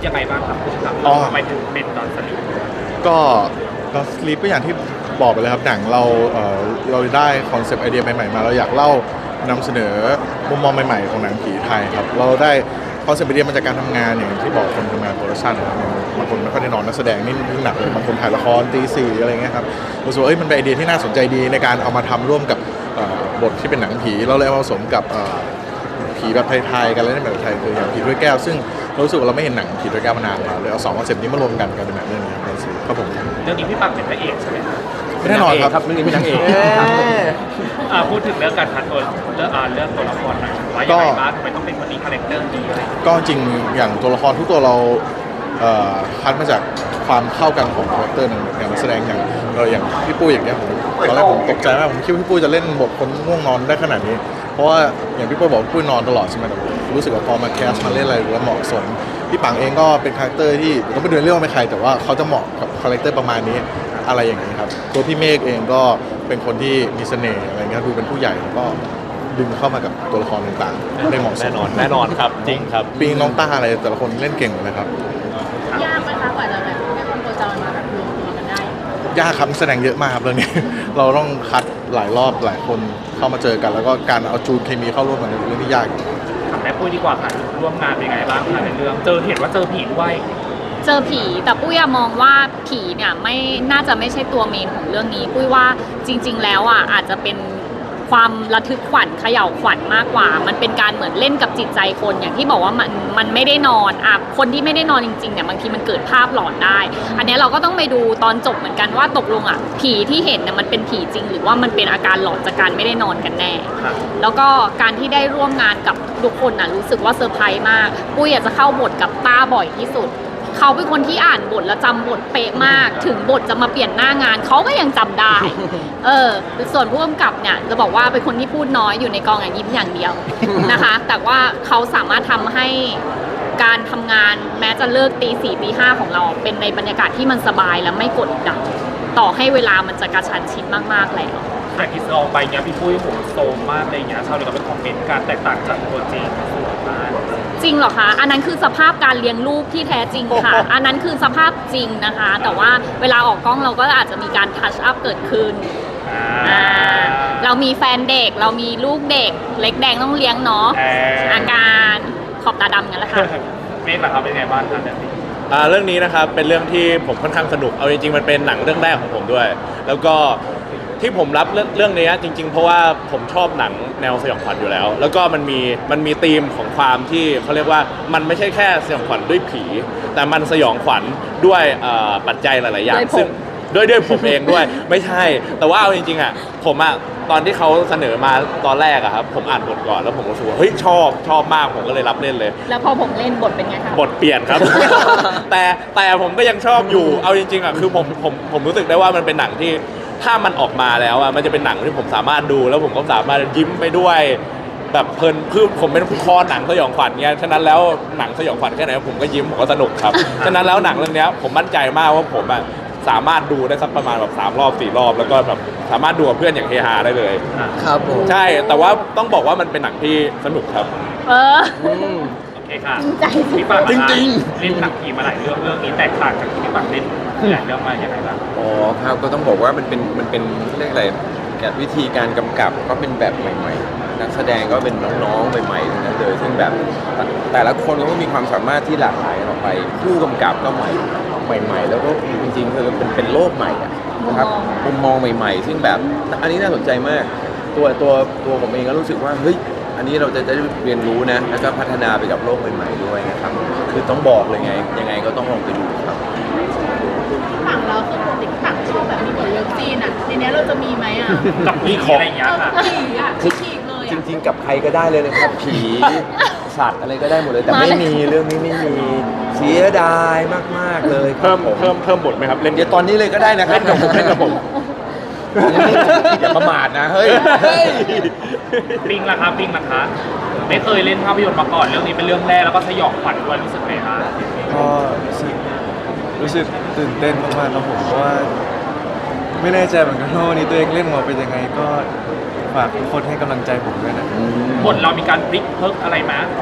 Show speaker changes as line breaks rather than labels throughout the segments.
ยังไงบ้างครับคุณครับทำไมถึงเป็นดอนสลีป
ก็ก็สลีปก็อย่างที่บอกไปเลยครับหนังเราได้คอนเซปต์ไอเดียใหม่ๆมาเราอยากเล่านำเสนอมุมมองใหม่ๆของหนังผีไทยครับเราได้คอนเซปต์ไอเดียมาจากการทำงานอย่างที่บอกคนทำงานโปรดักชั่นครับบางคนไม่ค่อยได้นอนนักแสดงนี่หนักเลยบางคนถ่ายละครตีสี่อะไรเงี้ยครับรู้สึกว่ามันเป็นไอเดียที่น่าสนใจดีในการเอามาทำร่วมกับบทที่เป็นหนังผีเราเลยเอามาผสมกับผีแบบไทยๆกันเล่นแบบไทยคืออย่างผีด้วยแก้วซึ่งเรารู้สึกว่าเราไม่เห็นหนังผีด้วยแก้วมานานแล้วเลยเอา2คอนเซปต์นี้มารวมกันกลายเป็นหนังเรื่องนี้ครับผม
เรื่องนี้พี่ปังเป็นพระเอกใช่ไหมครับ
แน่นอนครับ
เรื่องนี้เป็นนางเอก
พูดถึงเรื่องการคัดตัวเรื่องตัวละครหน่อยว่ายังไงบ้างทำไมต้องเป็นคนนี้คาแรคเตอร์นี้อะไร
ก็จริงอย่างตัวละครทุกตัวเราคัดมาจากความเข้ากันของคาแรคเตอร์อย่างนักแสดงอย่างพี่ปุ้ยอย่างเงี้ยผมตอนแรกผมตกใจมากผมคิดว่าพี่ปุ้ยจะเล่นบทคนง่วงนอนได้ขนาดนี้เพราะว่าอย่างพี่ปุ้ยบอกพี่ปุ้ยนอนตลอดใช่ไหมแต่ผมรู้สึกว่าพอมาแคสมาเล่นอะไรแล้วเหมาะสมพี่ปังเองก็เป็นคาแรคเตอร์ที่ก็ไม่เดินเรื่องว่าเป็นใครแต่ว่าเขาจะเหมาะกับคาแรคเตอร์ประมาณนี้อะไรอย่างนี้ครับตัวพี่เมฆเองก็เป็นคนที่มีเสน่ห์อะไรเงี้ยดูเป็นผู้ใหญ่แล้วก็ดึงเข้ามากับตัวละครต่างๆได้เหมาะสม
แน่นอนครับจริงครับ
ปีน้องต้าอะไรแต่ละคนเล่นเก่งเลยครับ
ยากไหมคะกว่าจะแบบให้คนโคจรมาแบบรวมตัวกันได้
ยากครับแสดงเยอะมากครับเรื่องนี้ เราต้องคัดหลายรอบหลายคนเข้ามาเจอกันแล้วก็การเอาจูนเคมีเข้าร่วมกันเป็นเรื่องที่ยาก
ถามแม่ปุ้ยดีกว่าค่ะร่วมงานเป็นไงบ้างคะในเรื่องเห็นว่าเจอผีด้วย
เจอผีแต่ปุ้ยมองว่าผีเนี่ยไม่น่าจะไม่ใช่ตัวเมนของเรื่องนี้ปุ้ยว่าจริงๆแล้วอาจจะเป็นความระทึกขวัญเขย่าขวัญมากกว่ามันเป็นการเหมือนเล่นกับจิตใจคนอย่างที่บอกว่ามันไม่ได้นอนคนที่ไม่ได้นอนจริงๆเนี่ยบางทีมันเกิดภาพหลอนได้อันนี้เราก็ต้องไปดูตอนจบเหมือนกันว่าตกลงผีที่เห็นเนี่ยมันเป็นผีจริงหรือว่ามันเป็นอาการหลอนจากการไม่ได้นอนกันแน่แล้วก็การที่ได้ร่วมงานกับทุกคนรู้สึกว่าเซอร์ไพรส์มากปุ้ยอยากจะเข้าบทกับต้าบ่อยที่สุดเขาเป็นคนที่อ่านบทแล้วจำบทเป๊ะมากถึงบทจะมาเปลี่ยนหน้างานเขาก็ยังจำได้ส่วนผู้กำกับเนี่ยจะบอกว่าเป็นคนที่พูดน้อยอยู่ในกองยิ้มอย่างเดียวนะคะแต่ว่าเขาสามารถทำให้การทำงานแม้จะเลิกตี 4 ตี 5ของเราเป็นในบรรยากาศที่มันสบายและไม่กดดันต่อให้เวลามันจะกระชั้นชิดมากๆแล้ว
แต่ที่ออกไปเนี้ยพี่ปุ้ยผมโซมมากเลยเนี้ยชาวเน็ตก็เป็นคอมเมนต์การแตกต่างจากตัวจริง
จริงเหรอคะอันนั้นคือสภาพการเลี้ยงลูกที่แท้จริงค่ะอันนั้นคือสภาพจริงนะคะแต่ว่าเวลาออกกล้องเราก็อาจจะมีการทัชอัพเกิดขึ้นเรามีแฟนเด็กเรามีลูกเด็กเล็กแดงต้องเลี้ยงเนาะอาการขอบตาดำกันแล้วค่ะ
เมฆล่ะครับเป็นไงบ้างครับ
เรื่องนี้นะครับเป็นเรื่องที่ผมค่อนข้างสนุกเอาจริงๆมันเป็นหนังเรื่องแรกของผมด้วยแล้วก็ที่ผมรับเรื่องนี้จริงๆเพราะว่าผมชอบหนังแนวสยองขวัญอยู่แล้วแล้วก็มันมีธีมของความที่เขาเรียกว่ามันไม่ใช่แค่สยองขวัญด้วยผีแต่มันสยองขวัญด้วยปัจจัยหลายๆอย่างซึ่งด้วยผมเองด้วยไม่ใช่แต่ว่าเอาจริงๆผมตอนที่เขาเสนอมาตอนแรกครับผมอ่านบทก่อนแล้วผมรู้สึกว่าเฮ้ยชอบมากผมก็เลยรับเล่นเลย
แล้วพอผมเล่นบทเป็นไงคะ
บทเปลี่ยนครับ แต่ผมก็ยังชอบอยู่เอาจริงๆคือผมรู้สึกได้ว่ามันเป็นหนังที่ถ้ามันออกมาแล้วมันจะเป็นหนังที่ผมสามารถดูแล้วผมก็สามารถยิ้มไปด้วยแบบเพลินคือผมเป็นคอหนังสยองขวัญเงี้ยฉะนั้นแล้วหนังสยองขวัญแค่ไหนผมก็ยิ้มผมก็สนุกครับฉะนั้นแล้วหนังเรื่องนี้ผมมั่นใจมากว่าผมสามารถดูได้สักประมาณแบบ3 รอบ 4 รอบแล้วก็แบบสามารถดูกับเพื่อนอย่างเฮฮาได้เลย
ครับผม
ใช่แต่ว่าต้องบอกว่ามันเป็นหนังที่สนุกครับ
โอเคค่ะ
ใจ
พี่ปังจริงเล่นหนังผีมาหลายเรื่องนี้แตกต่างจากที่พี่ปังเล่นหลายเรื่องมาอย่างไรบ้าง
อ๋อครับก็ต้องบอกว่ามันเป็นเรื่องอะไรวิธีการกำกับก็เป็นแบบใหม่ๆนักแสดงก็เป็นน้องๆใหม่ๆทั้งนั้นเลยซึ่งแบบแต่ละคนก็มีความสามารถที่หลากหลายออกไปผู้กำกับก็ใหม่แล้วก็จริงๆคือเป็นโลกใหม่นะครับมุมมองใหม่ๆซึ่งแบบอันนี้น่าสนใจมากตัวผมเองก็รู้สึกว่าเฮ้ยอันนี้เราจะได้เรียนรู้นะแล้วก็พัฒนาไปกับโลกใหม่ๆด้วยนะครับคือต้องบอกเลยไงยังไงก็ต้องลองไปดูครับ
ฝั่งเราคือปกติฝั่งชอบแบบมีบทเลิฟซีนทีนี้เราจะมีไหม
กับผีอะไรอย่างเงี้ยค่ะ
คือฉีกเลย
จริงๆกับใครก็ได้เลยนะครับผีสัตว์อะไรก็ได้หมดเลยแต่ไม่มีเรื่องนี้ไม่มีเสียดายมากๆเลย
เพิ่มบทไหมครับ
เล่นเดี๋ยวตอนนี้เลยก็ได้นะครับเล่นกับผมอย่าประมาทนะเฮ้ย
ปิงล่ะครับไม่เคยเล่นภาพยนตร์มาก่อนเรื่องนี้เป็นเรื่องแรกแล้วก็สยองขวัญด้วยรู้สึกไงคะ
ก็รู้สึกตื่นเต้นมากๆครับผมเพราะว่าไม่แน่ใจเหมือนกันว่าวันนี้ตัวเองเล่นมาเป็นยังไงก็ฝากทุกคนให้กำลังใจผมด้วยนะ
บทเรามีการพลิกเพิกอะไรมา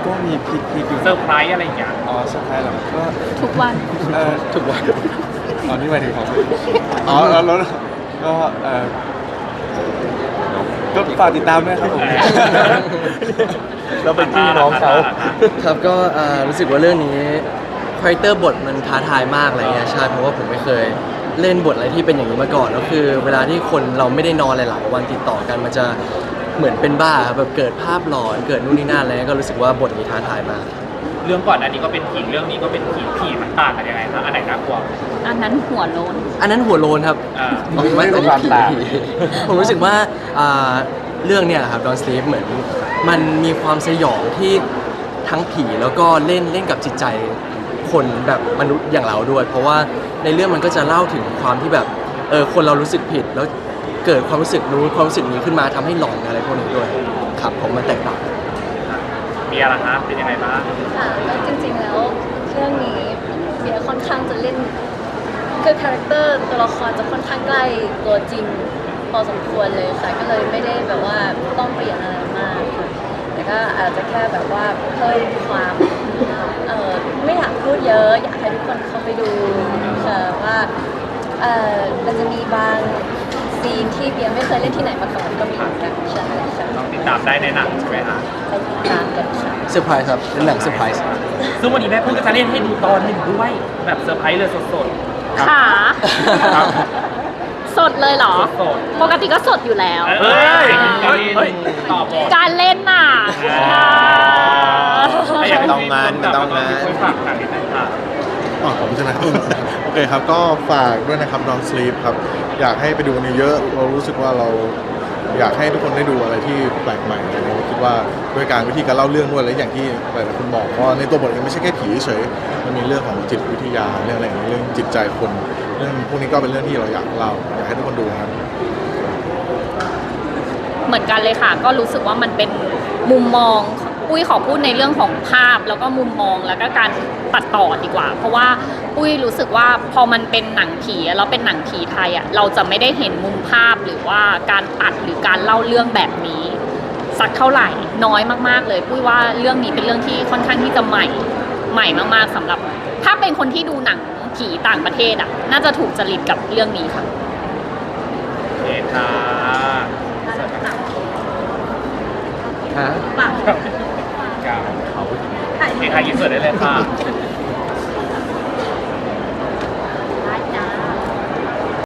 ก็มีพลิกอยู่
เซอร์ไพรส์อะไรอย่างเงี้ย
อ๋อเซอร์ไพรส์เหรอก็
ทุกวัน
ถูกวันอ๋อนี่หมายถึงของอ๋อแล้วก็ก็ฝากติดตามด้วยครับผม
เราเป็นพี่น้องเขา
ครับก็รู้สึกว่าเรื่องนี้คาแรคเตอร์บทมันท้าทายมากอะไรเงี้ยใช่เพราะว่าผมไม่เคยเล่นบทอะไรที่เป็นอย่างนี้มาก่อนแล้วคือ เวลาที่คนเราไม่ได้นอนหลายๆวันติดต่อกันมันจะเหมือนเป็นบ้าครับแบบเกิดภาพหลอนเกิดนู่นนี่นั่นอะไรเงี้ยก็รู้สึกว่าบทนี้ท้าทายมาก
เรื่องก่อนอันนี้ก็เป็นผีเรื่องนี้ก็เป็นผีมันต่างกันยังไงคะอันไหนน่ากลัว
อันนั้นหัวโล้น
อันนั้นหัวโลนครับ
อ่า
ไม่
เป็นความต่าง
ผมรู้สึกว่าเรื่องเนี่ยแหละครับ Don't Sleep เหมือนมันมีความสยองที่ทั้งผีแล้วก็เล่นกับจิตใจคนแบบมนุษย์อย่างเราด้วย เพราะว่าในเรื่องมันก็จะเล่าถึงความที่แบบคนเรารู้สึกผิดแล้วเกิดความรู้สึกนู้นความรู้สึกนี้ขึ้นมาทำให้หลอนอะไรพวกนี้ด้วยครับผมมันแตกต่าง
มีอะไรคะเป็นยังไงบ้าง
ค่ะแล้วจริงๆแล้วเรื่องนี้เบียร์ค่อนข้างจะเล่นคือคาแรคเตอร์ตัวละครจะค่อนข้างใกล้ตัวจริงพอสมควรเลยค่ะก็เลยไม่ได้แบบว่าต้องเปลี่ยนอะไรมากค่ะแต่ก็อาจจะแค่แบบว่าเพิ่มความไม่อยากพูดเยอะอยากให้ทุกคนเข้าไปดูค่ะว่ามันจะมีบางซีนที่เบียร์ไม่เคยเล่นที่ไหนมาก่อนก็มีเหมือนกันใช่ค่ะ
ต้องติดตามได้ในหนังใช่ไหมคะ
ไปติดตามกันค่ะ
เซอร์ไพรส์ครับเป็นหนังเซอร์ไพรส์
ซึ่งวันนี้แม่พึ่งก็จะเล่นให้ดูตอนหนึ่งด้วยแบบเซอร์ไพรส์เลยสด
ขา
ครับ
สดเลยเหรอ
สด
ปกติก็สดอยู่แล้ว
ๆเฮ้ยเฮ้ยตอบหมด
การเล่นน่ะ
มันต้องงานมันต้องงาน
ช่วยฝากหนังนิดนึงค่ะ
อ๋อผมใช่ไหม โอเคครับก็ฝากด้วยนะครับ Don't Sleep ครับอยากให้ไปดูกันเยอะๆเรารู้สึกว่าเราอยากให้ทุกคนได้ดูอะไรที่แปลกใหม่อะไรเงี้ยคิดว่าด้วยการวิธีการเล่าเรื่องด้วยและอย่างที่หลายๆคนบอกว่าในตัวบทเองไม่ใช่แค่ผีเฉยมันมีเรื่องของจิตวิทยาเรื่องอะไรอย่างเงี้ยเรื่องจิตใจคนเรื่องพวกนี้ก็เป็นเรื่องที่เราอยากเล่าอยากให้ทุกคนดูนะครับ
เหมือนกันเลยค่ะ ก็รู้สึกว่ามันเป็นมุมมองปุ้ยขอพูดในเรื่องของภาพแล้วก็มุมมองแล้วก็การตัดต่อดีกว่า เพราะว่าปุ้ยรู้สึกว่าพอมันเป็นหนังผีแล้วเป็นหนังผีไทยอ่ะเราจะไม่ได้เห็นมุมภาพหรือว่าการตัดหรือการเล่าเรื่องแบบนี้สักเท่าไหร่น้อยมากๆเลยปุ้ยว่าเรื่องนี้เป็นเรื่องที่ค่อนข้างที่จะใหม่มากๆสำหรับ ถ้าเป็นคนที่ดูหนังผีต่างประเทศอ่ะน่าจะถูกจริตกับเรื่องนี้ค่ะ
โอเคค่ะ
ฮะ
โอเคค่ะยินเสิร์ตได้เลยค่ะ